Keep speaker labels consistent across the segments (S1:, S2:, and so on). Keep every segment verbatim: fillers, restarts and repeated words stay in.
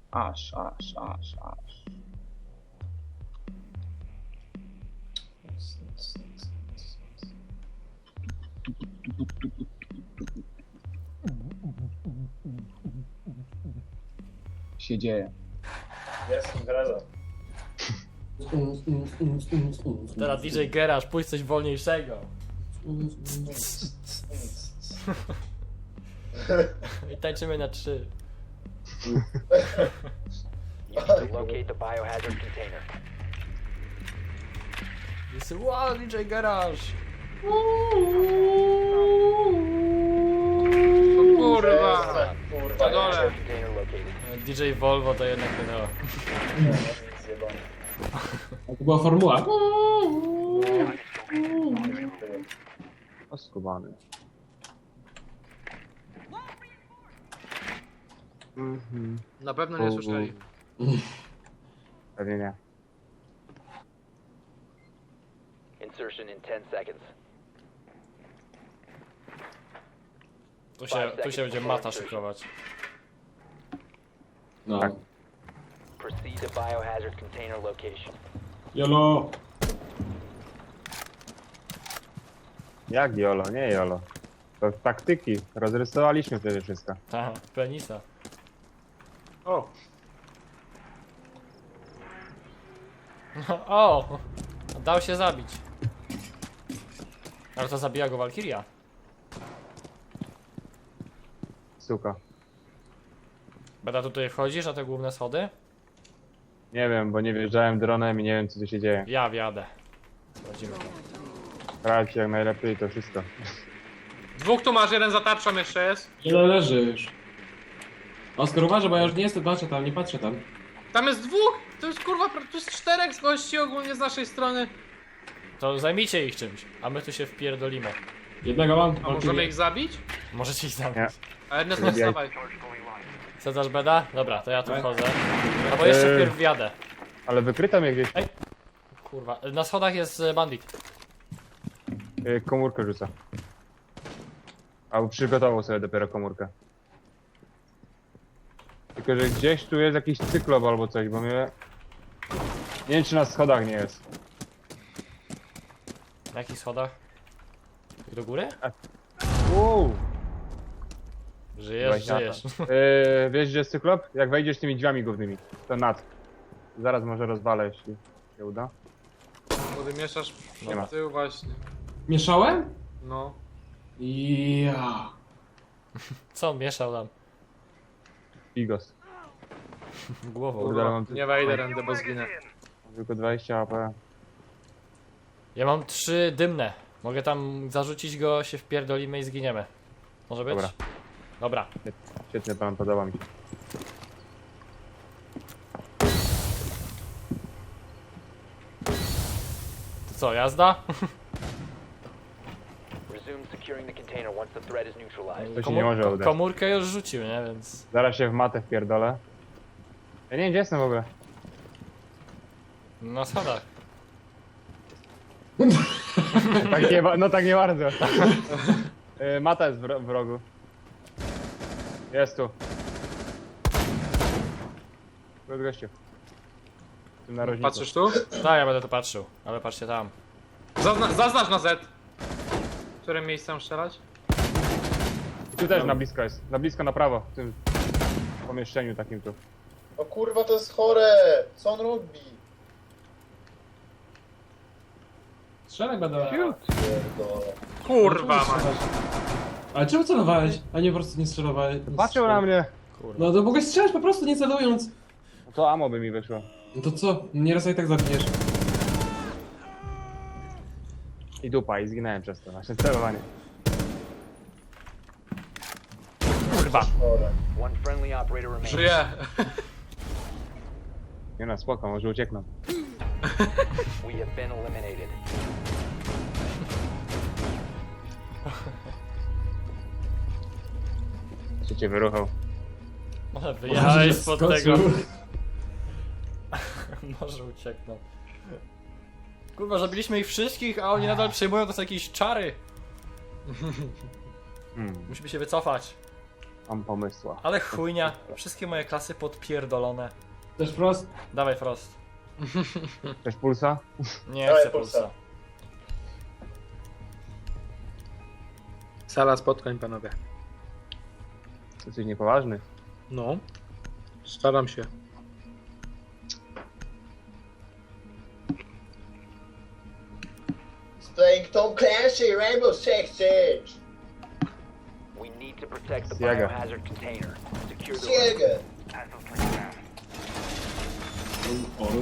S1: Aż, aż, aż, aż. Się dzieje.
S2: Jest impreza.
S3: Teraz D J Geraż, pójdź coś wolniejszego. I tańczymy na trzy.
S4: Locate the biohazard container.
S3: Jest wow, D J Geraż.
S2: Kurwa!
S4: Kurwa,
S2: Na dole.
S4: container located.
S3: D J Volvo to jednak wydała.
S5: To była formuła.
S1: Oskubany. Mhm.
S2: Na pewno nie słyszeli.
S1: Pewnie nie.
S4: Insertion in ten seconds.
S3: Tu się, tu się będzie mata szykować.
S5: No.
S1: Tak.
S4: Proceed to biohazard container location.
S5: Jolo.
S1: Jak jolo? Nie jolo. To taktyki. Rozrysowaliśmy wtedy wszystko.
S3: Aha, penisa.
S2: O!
S3: O! Dał się zabić. Ale to zabija go Walkiria.
S1: Suka.
S3: Beda, tutaj wchodzisz na te główne schody?
S1: Nie wiem, bo nie wjeżdżałem dronem i nie wiem co tu się dzieje.
S3: Ja wjadę. Wchodzimy.
S1: Grać jak najlepiej to wszystko.
S2: Dwóch tu masz, jeden za tarczą jeszcze jest.
S5: Jolo leżysz. Oskar, uważaj, bo ja już nie jestem, patrzę tam, nie patrzę tam.
S2: Tam jest dwóch! To jest kurwa, tu jest czterech z gości ogólnie z naszej strony.
S3: To zajmijcie ich czymś, a my tu się wpierdolimy.
S5: Jednego mam.
S2: A możemy ich zabić?
S3: Możecie ich zabić.
S1: Nie.
S2: A Ernest, nie
S1: Zabijaj.
S2: wstawaj.
S3: Sedzasz Beda? Dobra, to ja tu
S5: Tak.
S3: wchodzę. Albo jeszcze
S1: Eee.
S3: wpierw wjadę.
S1: Ale wykryto mnie gdzieś.
S3: Kurwa, na schodach jest e, bandit.
S1: Yy, komórkę rzuca. Albo przygotował sobie dopiero komórkę. Tylko, że gdzieś tu jest jakiś cyklop albo coś, bo mnie... Nie wiem czy na schodach nie jest.
S3: Na jakich schodach? Tak do góry?
S1: Wow.
S3: Żyjesz,
S1: Właśnie
S3: żyjesz.
S1: Yy, wiesz gdzie jest cyklop? Jak wejdziesz tymi drzwiami głównymi. To nad. Zaraz może rozwalę, jeśli się uda.
S2: Bo mieszasz
S1: Nie ma.
S2: tył właśnie.
S5: Mieszałem?
S2: No.
S5: Ja.
S3: Co on mieszał tam?
S1: Bigos.
S3: Głową.
S1: Kurde, ale mam
S2: Nie wejdę rędę, bo zginę.
S1: tylko dwadzieścia A P.
S3: Ja mam trzy dymne. Mogę tam zarzucić go, się wpierdolimy i zginiemy. Może być?
S1: Dobra.
S3: Dobra.
S1: Świetny plan, podoba mi się.
S3: To co, jazda?
S4: Resume securing the container once the threat is neutralized.
S1: To się nie może udać.
S3: Komórkę już rzucił, nie? Więc...
S1: Zaraz się w matę wpierdolę. Ja nie wiem gdzie jestem w ogóle.
S3: Na schodach.
S1: Tak nie, ba- no tak nie bardzo. Yy, mata jest w, ro- w rogu. Jest tu. Tu jest gościu. W tym narożniku.
S2: Patrzysz tu?
S3: Tak, ja będę to patrzył, ale patrzcie tam.
S2: Zazna zaznacz na Z. W którym miejscu mam strzelać?
S1: I tu też na blisko jest. Na blisko na prawo. W tym pomieszczeniu takim tu.
S6: O kurwa, to jest chore! Co on robi?
S5: Strzelaj będę.
S6: Pierdolę.
S2: Kurwa man.
S5: Ale czemu celowałeś? A nie po prostu nie strzelowałeś?
S1: Patrzył na mnie.
S3: Kurwa.
S5: No to mogłeś strzelać po prostu nie celując.
S1: No to amo by mi wyszło.
S5: No to co? Nieraz i tak zabijesz.
S1: I dupa, i zginąłem przez to. Nasze celowanie.
S3: Kurwa.
S6: Chore.
S4: One friendly operator remains.
S2: Żyję.
S1: Nie no, spoko, może uciekną.
S4: We have been eliminated.
S1: Czy cię wyruchał?
S3: Może wyjechałeś spod
S5: Skoczył.
S3: tego. Może uciekną. Kurwa, zabiliśmy ich wszystkich, a oni nadal przejmują to są jakieś czary.
S1: Hmm.
S3: Musimy się wycofać.
S1: Mam pomysła.
S3: Ale chujnia, wszystkie moje klasy podpierdolone.
S5: Też Frost?
S3: Dawaj Frost.
S1: Chcesz pulsa?
S3: Nie
S6: Dawaj
S3: chcę
S6: pulsa.
S3: pulsa.
S2: Sala spotkań, panowie.
S1: Jesteś niepoważny.
S2: No. Staram się.
S6: He's playing Tom Clancy, Rainbow Six Siege.
S4: We need to protect the
S1: Siega.
S4: biohazard container. Secure the room.
S6: Siega.
S5: Oru.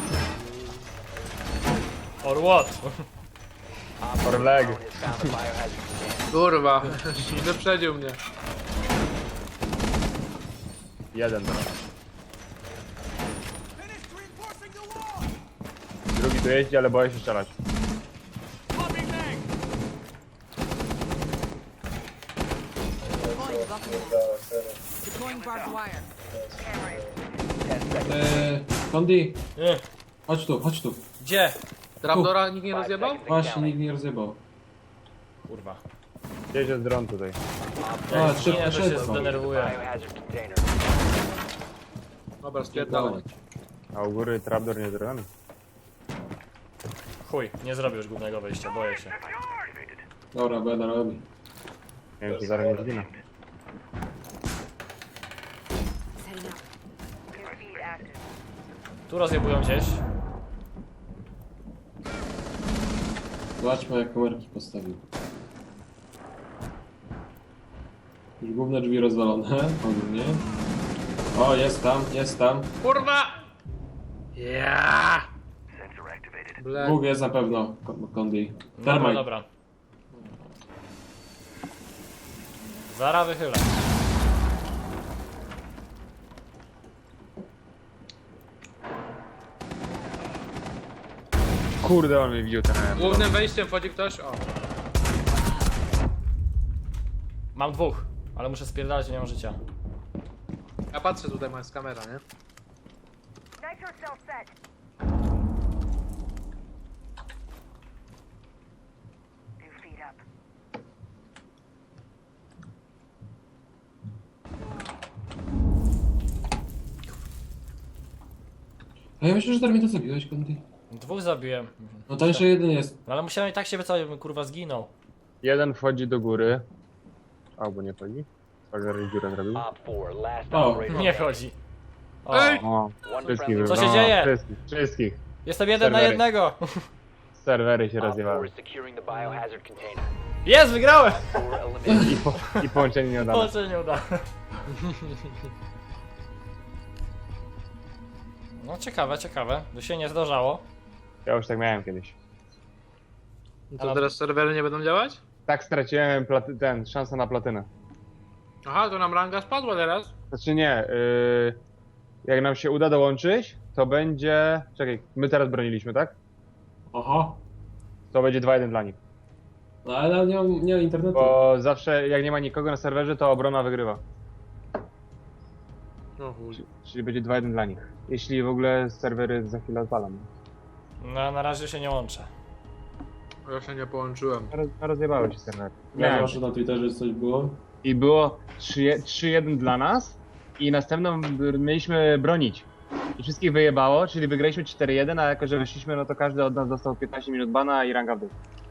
S3: Or what?
S4: Op
S1: Or leg.
S4: four has found the biohazard container.
S2: Kurwa, wyprzedził mnie.
S1: Jeden. Drugi tu jeździ, ale boję się strzelać.
S7: Deploying buffalo.
S6: Dała, serio.
S7: Deploying barbed wire.
S5: Eee, Kondi,
S3: Nie.
S5: chodź tu, chodź tu.
S3: Gdzie?
S2: Trapdora nikt nie
S4: Five
S2: rozjebał?
S4: seconds and
S5: Właśnie,
S4: counting.
S5: nikt nie rozjebał.
S3: Kurwa.
S1: Jedzie z dron tutaj.
S5: A,
S3: Jak
S5: szybko,
S3: zginę, to się
S5: szybko.
S3: zdenerwuję.
S4: Biohazard container.
S2: Dobra, spierdalaj.
S1: A u góry trapdor nie zrobiony.
S3: Chuj, nie zrobię już głównego wejścia, boję się.
S5: Dobra, będę robił.
S1: Nie wiem, czy zaraz nie zginę.
S7: Setting up.
S3: Tu rozjebują gdzieś.
S5: Zobaczmy, jak kamerki postawił. Już główne drzwi rozwalone, ogólnie. O, jest tam, jest tam.
S2: Kurwa! Ja! Ble.
S5: Bóg jest na pewno, Ko- Kondi.
S3: Dobra,
S5: Termite.
S3: dobra. Zara wychylę.
S1: Kurde, on mnie widział ten air.
S2: Głównym wejściem wchodzi ktoś? O.
S3: Mam dwóch, ale muszę spierdalać, nie mam życia.
S2: Ja patrzę tutaj, moja jest kamera, nie?
S8: Nitro cell set. Two feet up.
S5: A ja myślę, że Termita zabiłeś, Kondi.
S3: Dwóch zabiłem.
S5: No to jeszcze jeden jest.
S3: No ale musiałem i tak się wycofać, bym kurwa zginął.
S1: Jeden wchodzi do góry. Albo nie wchodzi. Tak, zaraz dziurę zrobił.
S4: Op four, last
S5: O,
S4: operator
S3: Nie
S4: standing.
S3: chodzi. O,
S2: Ej!
S1: O,
S4: One
S1: wszystkich
S4: friendly
S3: Co się
S1: no,
S3: dzieje?
S1: Wszystkich, wszystkich.
S3: jestem jeden na
S1: Serwery.
S3: jednego.
S1: Serwery się
S4: Op four
S1: rozjewały.
S4: is securing the biohazard container.
S3: Jest, wygrałem!
S4: Four eliminated.
S1: I, po, I połączenie nie udane.
S3: O, nie uda. No ciekawe, ciekawe. To się nie zdarzało.
S1: Ja już tak miałem kiedyś.
S2: No to teraz serwery nie będą działać?
S1: Tak straciłem platy, ten, szansę na platynę.
S2: Aha, to nam ranga spadła teraz.
S1: Znaczy nie, yy, jak nam się uda dołączyć, to będzie... Czekaj, my teraz broniliśmy, tak?
S5: Oho.
S1: To będzie dwa jeden dla nich.
S5: No ale nie mam, nie mam internetu.
S1: Bo zawsze jak nie ma nikogo na serwerze, to obrona wygrywa.
S2: O chuj.
S1: Czyli będzie dwa jeden dla nich. Jeśli w ogóle serwery za chwilę odpalam.
S3: No na razie się nie łączę.
S2: Ja się nie połączyłem.
S1: Roz, rozjebały się serwery.
S5: Ja
S1: Nie.
S5: proszę na Twitterze, że coś było.
S1: I było trzy jeden dla nas i następną b- mieliśmy bronić. I wszystkich wyjebało, czyli wygraliśmy cztery jeden, a jako że wyszliśmy, no to każdy od nas dostał piętnaście minut bana i ranga w dół.